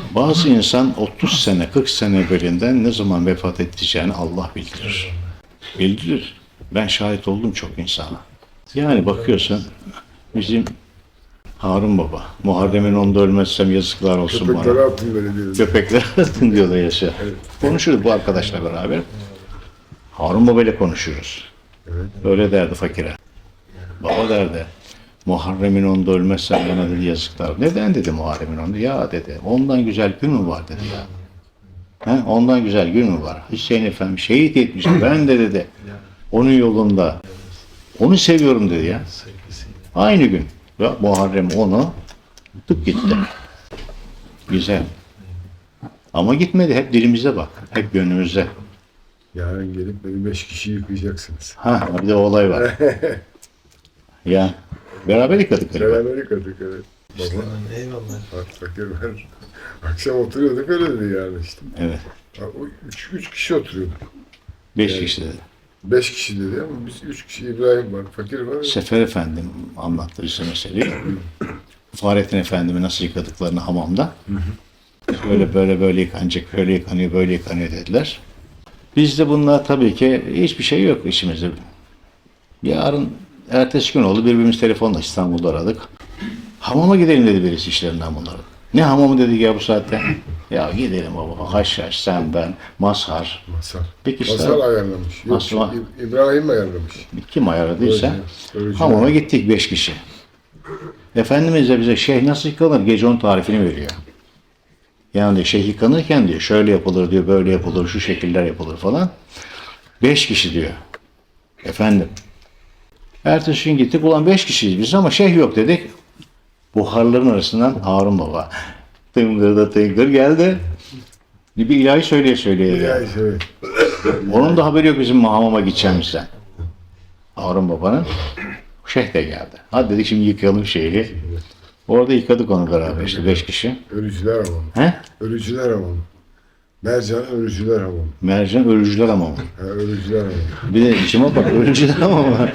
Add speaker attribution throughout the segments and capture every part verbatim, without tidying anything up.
Speaker 1: Bazı insan otuz sene, kırk sene evvelinden ne zaman vefat edeceğini Allah bildirir. Bildirir. Ben şahit oldum çok insana. Yani bakıyorsun bizim Harun Baba, Muharrem'in onda ölmezsem yazıklar olsun
Speaker 2: Köpeklere
Speaker 1: bana.
Speaker 2: atın böyle diyoruz.
Speaker 1: Köpeklere atın diyorlar yaşa.
Speaker 2: Evet.
Speaker 1: Konuşuruz bu arkadaşla beraber. Harun Baba ile konuşuyoruz.
Speaker 2: Evet.
Speaker 1: Böyle derdi fakire. Baba derdi. Muharrem'in onda ölmezsen bana dedi yazıklar. Neden dedi Muharrem'in onda? Ya dedi. Ondan güzel gün mü var dedi ya. He, ondan güzel gün mü var? Hüseyin Efendi şehit etmiş. Ben de dedi. Onun yolunda. Onu seviyorum dedi ya. Aynı gün. Ve Muharrem onu tutup gitti. Güzel. Ama gitmedi. Hep dilimize bak. Hep gönlümüzde.
Speaker 2: Yarın gelip beni beş kişi yıkayacaksınız.
Speaker 1: Ha, bir de o olay var. Ya beraber yıkadık galiba.
Speaker 2: Beraber yıkadık evet. Baba,
Speaker 3: Eyvallah.
Speaker 2: bak fakir ben. Akşam oturuyorduk öyle dedi yani işte.
Speaker 1: Evet.
Speaker 2: Ha, o Üç, üç kişi oturuyorduk.
Speaker 1: Beş
Speaker 2: Evet.
Speaker 1: kişi dedi.
Speaker 2: Beş kişi dedi ama biz üç kişi İbrahim var, fakir var.
Speaker 1: Sefer Efendim anlattı bize meseleyi. Fahrettin Efendim'i nasıl yıkadıklarını hamamda. Böyle böyle böyle yıkanacak, böyle yıkanıyor, böyle yıkanıyor dediler. Bizde bunlar tabii ki hiçbir şey yok işimizde. Yarın, ertesi gün oldu birbirimiz telefonla İstanbul'da aradık. Hamama gidelim dedi birisi işlerinden bunların. Ne hamamı dedik ya bu saatte? Ya gidelim baba, haşhaş, sen, ben, mazhar.
Speaker 2: Masal.
Speaker 1: Bir kişi
Speaker 2: Masal
Speaker 1: daha.
Speaker 2: ayarlamış. Yok,
Speaker 1: Masal.
Speaker 2: İ- İbrahim ayarlamış.
Speaker 1: Kim ayarladıysa
Speaker 2: Öyle- öyle
Speaker 1: hamama
Speaker 2: şey.
Speaker 1: gittik beş kişi. Efendimiz de bize şeyh nasıl yıkanır gece onun tarifini veriyor. Yani diyor, şeyh yıkanırken diyor şöyle yapılır diyor, böyle yapılır, şu şekiller yapılır falan. Beş kişi diyor. Efendim. Ertesi gün gittik ulan beş kişiyiz biz ama şeyh yok dedik. Buharların arasından Harun Baba. Tıngır da tıngır geldi. Bir ilahi söyleye söyleye
Speaker 2: Ya
Speaker 1: geldi.
Speaker 2: işte, evet.
Speaker 1: Onun da haberi yok bizim hamama gideceğimizden. Harun Baba'nın. Şeyh de geldi. Hadi dedik şimdi yıkayalım şeyi. Orada yıkadık onu beraber işte beş kişi.
Speaker 2: Ölücüler hamamı.
Speaker 1: He?
Speaker 2: Ölücüler hamamı. Mercan ölücüler hamamı.
Speaker 1: Mercan ölücüler hamamı.
Speaker 2: Ha, ölücüler hamamı.
Speaker 1: Bir de içime bak ölücüler hamamı.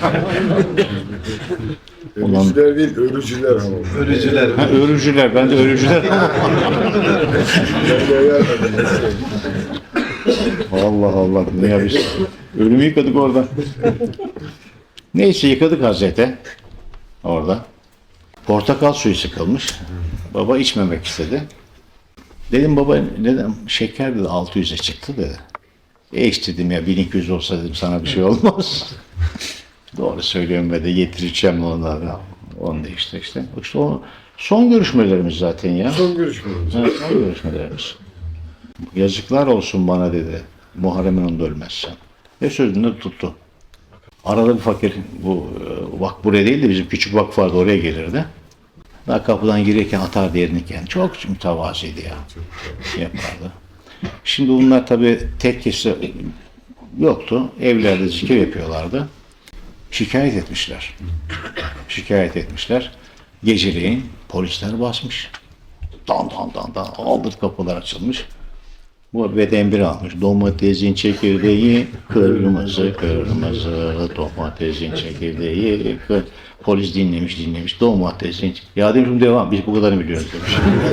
Speaker 1: Ulan-
Speaker 2: Ölücüler değil, ölücüler hamamı.
Speaker 3: Ölücüler.
Speaker 1: Ha, ölücüler. Ben de ölücüler hamamı.
Speaker 2: Ben de ayarladım.
Speaker 1: Allah Allah. Ne ya biz? Ölümü yıkadık orada. Neyse yıkadık Hazreti. Orada. Portakal suyu sıkılmış. Baba içmemek istedi. Dedim baba neden? Şeker dedi altı yüze çıktı dedi. E iç dedim ya bin iki yüz olsa dedim sana bir şey olmaz. Doğru söylüyorum ve de getireceğim onları. Onu da işte işte. İşte o son görüşmelerimiz zaten ya.
Speaker 2: Son görüşmemiz.
Speaker 1: Ha, son görüşmelerimiz. Yazıklar olsun bana dedi. Muharrem'in onda ölmezsem. Ve sözünü de tuttu. Arada bir fakir, bu e, vak buraya değil de bizim küçük vakıf vardı oraya gelirdi. Daha kapıdan girerken atar diğerinken. Çok mütevazıydı ya. Yapardı. Şimdi bunlar tabii tekkesi yoktu. Evlerde zikir yapıyorlardı. Şikayet etmişler. Şikayet etmişler. Geceleyin polisler basmış. Dan dan dan dan. Aldır kapılar açılmış. Bu beden bir almış. Domatesin çekirdeği kırmızı kırmızı. Domatesin çekirdeği kır. Polis dinlemiş dinlemiş. Domatesin. Ya demişim devam. Biz bu kadarını biliyoruz demiş.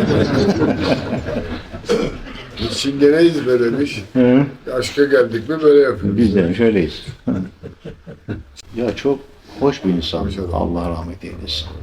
Speaker 2: Biz çingeneyiz be demiş.
Speaker 1: Hı.
Speaker 2: Aşka geldik mi böyle yapıyoruz.
Speaker 1: Biz demiş öyleyiz. Ya çok hoş bir insan.
Speaker 2: Hoş adam.
Speaker 1: Allah rahmet eylesin.